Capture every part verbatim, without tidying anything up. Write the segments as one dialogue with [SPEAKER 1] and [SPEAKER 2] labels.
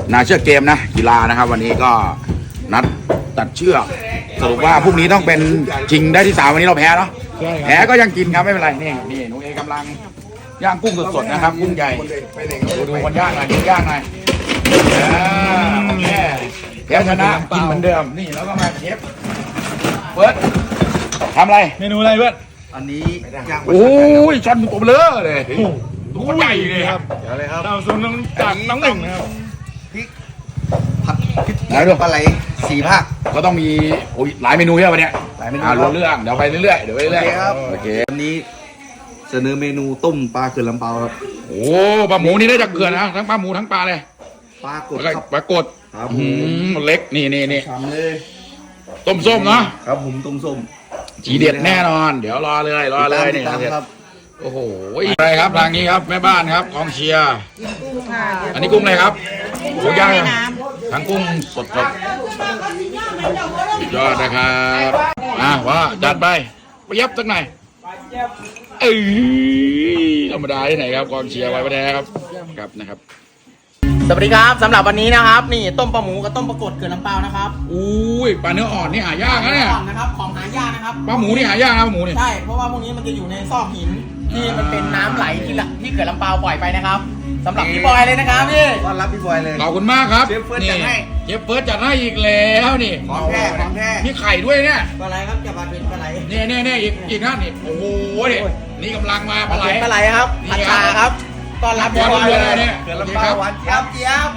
[SPEAKER 1] นาเชือกเกมนะกีฬานะครับวันนี้ก็นัดตัดเชือกสรุปว่าพรุ่งนี้ต้องเป็นชิงได้ที่สามวันนี้เราแพ้เนาะแพ้ก็ยังกินครับไม่เป็นไรนี่นี่หนูเอกำลังย่างกุ้งสดๆนะครับกุ้งใหญ่ดูดูคนย่างหน่อยดูย่างหน่อยโอเคแพ้ชนะกินเหมือนเดิมนี่แล้วก็มาเชฟเบิร์ดทำอะไร
[SPEAKER 2] เมนูอะไรเบิร์ด
[SPEAKER 3] อันนี้ย่าง
[SPEAKER 1] โอ้ยช้อนตัวเบลอเลยตัวใหญ่เลยครับ
[SPEAKER 3] เดี๋ยวเลยครับ
[SPEAKER 2] เราส่วนน้องจากน้องหนึ่งนะครับ
[SPEAKER 3] พริกผัดพริกปลาไหลสี่ภาค
[SPEAKER 1] ก็ต้องมีโอ้ยหลายเมนูเยอะวันนี้หลายเมนูรู้เรื่องเดี๋ยวไปเรื่อยๆเดี๋ยวไปเรื่อย
[SPEAKER 3] ๆครับโอเควันนี้เสนอเมนูต้มปลาเขื่อนลำเปาครับ
[SPEAKER 1] โอ้ปลาหมูนี่ได้จากเขื่อนนะทั้งปลาหมูทั้งปลาเลย
[SPEAKER 3] ปลากด
[SPEAKER 1] ปลากด
[SPEAKER 3] ครับ
[SPEAKER 1] ผมเล็กนี่นี่นี่
[SPEAKER 3] ทำเลย
[SPEAKER 1] ต้มส้มเนาะ
[SPEAKER 3] ครับผมต้มส้ม
[SPEAKER 1] จีเด็ดแน่นอนเดี๋ยวรอเลยรอเลยนี่ครับโอ้โหอะไรครับทางนี้ครับแม่บ้านครับกองเชียร์อันนี้กุ้งอะไรครับกุ้งย่างทั้งกุ้งสดสดยอดนะครับอ่ะว่าจัดไปไปยับสักหน่อยเอ้ยธรรมดาที่ไหนครับกองเชียร์ไว้ไม่ได้ครับครับนะครับ
[SPEAKER 4] สวัสดีครับสำหรับวันนี้นะครับนี่ต้มปลาหมูกับต้มปลากดเกลือลำเปานะครับ
[SPEAKER 1] อุ้ยปลาเนื้ออ่อนนี่หายากนะเนี่ย
[SPEAKER 4] อ่อนนะครับของหายากนะครับ
[SPEAKER 1] ปลาหมูนี่หายากนะปลาหมูนี่
[SPEAKER 4] ใช่เพราะว่าพวกนี้มันจะอยู่ในซอกหินที่มันเป็นน้ำไหลที่ที่เกลือลำเปาปล่อยไปนะครับสำหรับพี่บอยเลยนะครับพี่
[SPEAKER 3] ต้อนรับพี่บอยเลย
[SPEAKER 1] ขอบคุณมากครับ
[SPEAKER 3] เชฟเฟิร์สจัดให้
[SPEAKER 1] เชฟเฟิร์สจัดให้อีกแล้วนี่
[SPEAKER 3] ของแท้ของแท้
[SPEAKER 1] มีไข่ด้วยเนี่ย
[SPEAKER 4] ปลาไหลครับจะมาเป็นปลาไหล
[SPEAKER 1] เนี่ยเนี่ยเนี่ยอีกอีกนะนี่โอ้โหนี่นี่กำลังมาปลาไหล
[SPEAKER 4] ปลาไหลครับผัดชาครับต้อนรับพี่บอยเลย
[SPEAKER 1] เนี่ย
[SPEAKER 3] เกลือลำเปาหวานเจี๊ยบเจี๊ยบ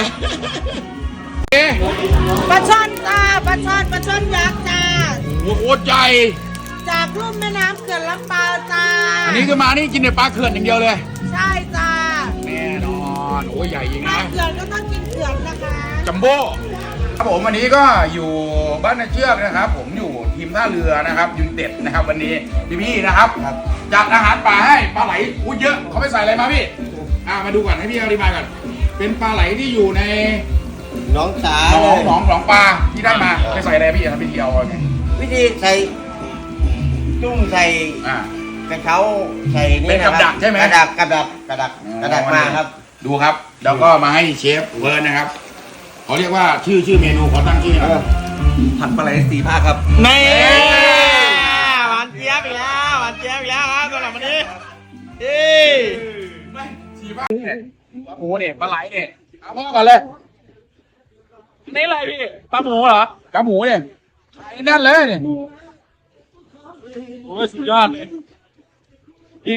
[SPEAKER 5] ปลาช่อนจ้าปลาช่อนปลาช่อนยักษ์จ้า
[SPEAKER 1] โอ้โหใจ
[SPEAKER 5] จากลุ่มแม่น้ำเขื่อนลำเปาจ้า
[SPEAKER 1] อันนี้คือมานี่กินแต่ปลาเขื่อนอย่างเดียวเลย
[SPEAKER 5] ใช่จ้า
[SPEAKER 1] แน่นอนโอ้ยใหญ่จริงนะ
[SPEAKER 5] ปลาเขื่อนก็ต้องกินเขื่อนนะคะ
[SPEAKER 1] จัมโบ้ครับผมวันนี้ก็อยู่บ้านนาเชือกนะครับผมอยู่ทีมท่าเรือนะครับยูไนเต็ดนะครับวันนี้พี่ๆนะครับจัดอาหารปลาให้ปลาไหลอู้เยอะเขาไปใส่อะไรมาพี่อ่ามาดูก่อนให้พี่อธิบายก่อนเป็นปลาไหลที่อยู่ใน
[SPEAKER 3] น้องสา
[SPEAKER 1] หนองหนองหนองปลาที่ได้มาไปใส่อะไรพี่ทำพิธีเอาไง
[SPEAKER 3] วิธีใส่จุ้งใส่กระเช้าใส่นี่
[SPEAKER 1] เป็นกระดักใช่ไหม
[SPEAKER 3] กระดักกระดักกระดักกระดักมาครับ
[SPEAKER 1] ดูครับแล้วก็มาให้เชฟเวิร์นนะครับเขาเรียกว่าชื่อชื่อเมนูเขาตั้งชื่ออะไร
[SPEAKER 3] ผัดปลาไหลสีภาคครับ
[SPEAKER 4] นี่หวานเจี๊ยบอีกแล้วหวานเจี๊ยบอีกแล้วครับสำหรับวันนี้นี่
[SPEAKER 1] สีภาคเนี่ยโอ้เนี่ยปลาไหลเนี่ยเอาพ่อก่อนเลย
[SPEAKER 2] นี่อะไรพี่ปลาหมูเหรอกระ
[SPEAKER 1] หมูเนี่ยไอ้นั่นเลยเนี่ย
[SPEAKER 2] โอ้ยสุดยอดเลยอีก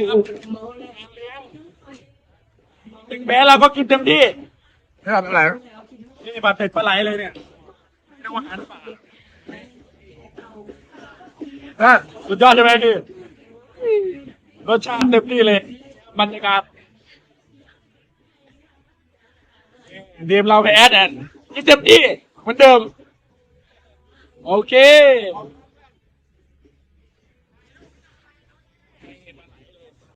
[SPEAKER 2] ถึงแม้เราก็กินเต็มที่
[SPEAKER 1] ไม่ทำอะไร
[SPEAKER 2] นี่ปลาเผ็ดปลาไหลเลยเนี่ยเรียกว่าอาหารป่าสุดยอดใช่ไหมพี่รสชาติเต็มที่เลยบรรยากาศทีมเราไปแอดแอนนี่เต็มที่เหมือนเดิมโอเค